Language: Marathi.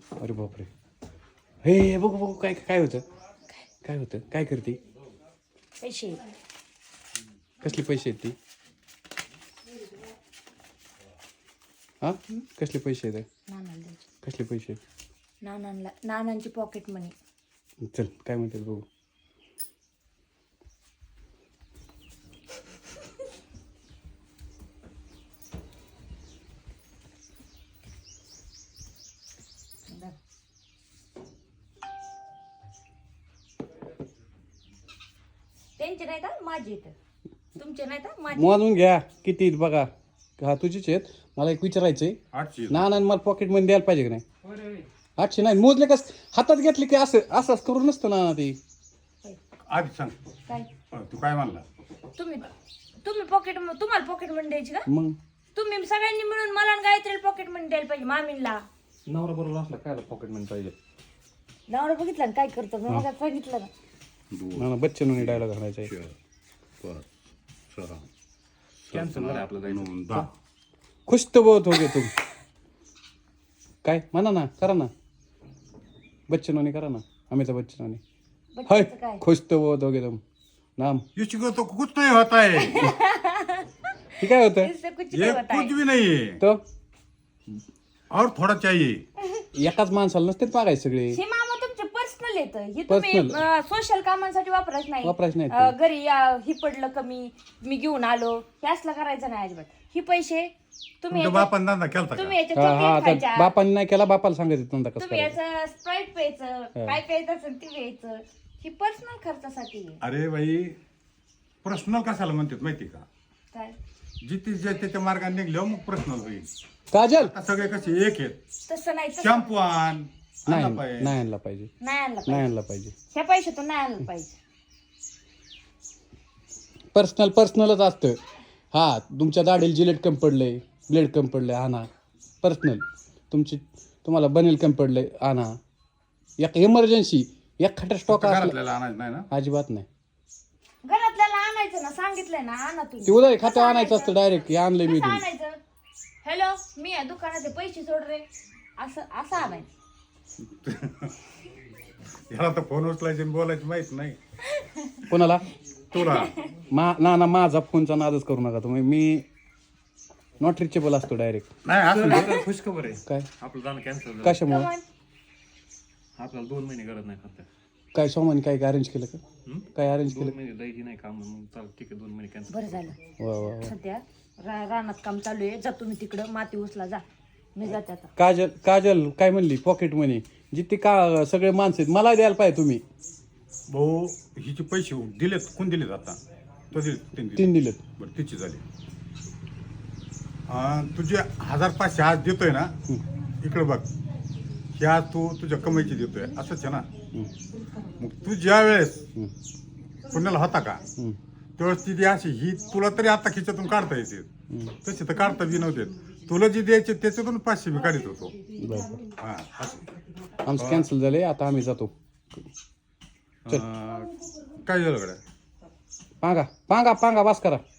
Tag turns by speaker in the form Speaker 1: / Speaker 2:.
Speaker 1: अरे बापरे. हे बघू बघू काय काय होतं. काय होतं, काय करते.
Speaker 2: पैसे
Speaker 1: कसले पैसे आहेत ती. हा कसले पैसे आहेत.
Speaker 2: नानाला द्यायचे.
Speaker 1: कसले पैसे आहेत.
Speaker 2: नानांची पॉकेट मनी.
Speaker 1: चल काय म्हणतात बघू.
Speaker 2: त्यांचे नाही का माझे आहेत. तुमचे नाही का माझे.
Speaker 1: मोजून घ्या किती आहेत बघा. हा तुझीच आहेत. मला एक विचारायचंय.
Speaker 3: 800.
Speaker 1: ना मला पॉकेट मध्ये द्यायला पाहिजे की नाही. 800 नाही मोजले कस हातात घेतले की असं असंच करून नसतं ना ते.
Speaker 3: आधी सांग
Speaker 2: काय
Speaker 3: तू काय म्हणला.
Speaker 2: तुम्ही पॉकेट तुम्हाला पॉकेट मनी द्यायची का.
Speaker 1: मग
Speaker 2: तुम्ही सगळ्यांनी मिळून मला आणि गायत्रीला पॉकेट मनी द्यायला पाहिजे. मामीला
Speaker 1: नवरा बरोबर असला काय पॉकेट मध्ये पाहिजे.
Speaker 2: नवरा बघितलं ना काय करतो मी मग सांगितलं ना.
Speaker 1: ना बच्चन डायलॉग घालायचा आहे.
Speaker 3: 4 5 6
Speaker 1: कॅन्सल झालं आपलं जायचं.
Speaker 3: 9 10.
Speaker 1: खुश तो बहुत हो गए तुम. काय म्हणा ना करा ना. बच्चनोनी करा ना. अमिताभ बच्चनोनी. हाय
Speaker 2: बच्चाचं काय
Speaker 1: खुश तो बहुत हो गए तुम. नाम
Speaker 3: इसको तो कुछ नहीं होता है.
Speaker 1: हे काय होतं.
Speaker 2: इससे कुछ
Speaker 3: ये
Speaker 2: नहीं होता है.
Speaker 3: कुछ भी नहीं है
Speaker 1: तो
Speaker 3: और थोड़ा चाहिए.
Speaker 1: एकाच माणसाला नसते पागायचे सगळे.
Speaker 2: हे मामा तुमचे पर्सनल येतं. हे तुम्ही सोशल कामांसाठी वापरायचं नाही.
Speaker 1: वापरायचं नाही
Speaker 2: घरी ही पडलं कमी मी घेऊन आलो हे असलं करायचं नाही अजिबात. ही पैसे तुम्ही
Speaker 3: तुमच्या बापान धंदा केलता का.
Speaker 2: तुम्ही याच्या
Speaker 1: हा हा
Speaker 2: चॉकलेट खायच्या.
Speaker 1: आता बापाने नाही केला बापाला सांगायचं नंतर कसं
Speaker 2: तुम्ही
Speaker 1: करायचं.
Speaker 2: याचं स्प्राईट प्यायचं काय प्यायचं असेल ते प्यायचं. ही पर्सनल खर्चासाठी आहे.
Speaker 3: अरे बाई पर्सनल कशाला म्हणतात माहिती का.
Speaker 2: काय
Speaker 3: जिथे जे त्याच्या मार्गाने निघल्यावर मग पर्सनल होईल.
Speaker 1: काजल
Speaker 3: आता सगळे कसे एक आहेत.
Speaker 2: तसं नाही तसं
Speaker 3: शॅम्पू आण
Speaker 1: नाही
Speaker 3: आणला पाहिजे.
Speaker 1: नाही आणला पाहिजे.
Speaker 2: नाही आणलं
Speaker 1: नाही
Speaker 2: पाहिजे.
Speaker 1: आणला पाहिजे.
Speaker 2: ह्या पैशातून नाही आणलं पाहिजे.
Speaker 1: पर्सनलच असतं. हा तुमच्या दाढीला जिलेट कम पडले ब्लेड कम पडले आणा. पर्सनल तुम्हाला बनेल कम पडले आणा. एक इमर्जन्सी एक खटा स्टॉक असला
Speaker 3: घरातल्याला आणायचं नाही ना.
Speaker 1: अजिबात नाही.
Speaker 2: घरातल्याला आणायचं ना सांगितलंय ना आणा
Speaker 1: ते
Speaker 2: तुम्ही.
Speaker 1: उदय खातं आणायचं असतं डायरेक्ट. हे आणलंय मी
Speaker 2: कसं
Speaker 1: तुम्ही.
Speaker 2: आणायचं. हॅलो मी या दुकानाचे पैसे सोड रे असं असं आणायचं.
Speaker 3: ह्याला तर फोन उचलायचे आणि बोलायचं माहित नाही
Speaker 1: कोणाला
Speaker 3: तुला.
Speaker 1: ना माझा फोनचा नादच करू नका तुम्ही. मी नॉट रिचेबल असतो डायरेक्ट.
Speaker 3: नाही असं
Speaker 4: खुश खबर आहे.
Speaker 1: काय
Speaker 4: आपलं जाणं कॅन्सल झालं.
Speaker 1: कशामुळे
Speaker 2: कमान.
Speaker 4: आपल्याला 2 महिने गरज नाही फक्त.
Speaker 1: काय सोमाने काय अरेंज केलं का. काय अरेंज
Speaker 4: 2
Speaker 1: केलं.
Speaker 4: महिने द्यायची नाही काम मग चाल ठीक आहे 2 महिने कॅन्सल.
Speaker 2: बरं झालं.
Speaker 1: वा वा वा.
Speaker 2: सध्या रानात काम चालू आहे. जा तुम्ही तिकडं माती उचला जा. मी जाते आता.
Speaker 1: काजल काय म्हणली पॉकेट मनी जिथे का सगळे माणसं आहेत मला द्यायला पाहिजे तुम्ही.
Speaker 3: भाऊ हिचे पैसे दिलेत. कोण दिलेत आता तो दिले 3
Speaker 1: 3 दिलेत.
Speaker 3: बरं तिची झाली. तुझे 1500 आज देतोय ना. इकडे बघ ह्या तू तुझ्या कमाईची देतोय असंच आहे ना. मग तू ज्या वेळेस पुण्याला होता का त्यावेळेस ती अशी ही तुला तरी आता खिच्यातून काढता येते. तसे तर काढता बी नव्हते. तुला जी द्यायचे त्याच्यातून 500 मी काढत होतो.
Speaker 1: बरं
Speaker 3: हा असं.
Speaker 1: आमचं कॅन्सल झाले आता आम्ही जातो.
Speaker 3: काय झालं गड्या.
Speaker 1: पांगा पांगा पांगा वास करा.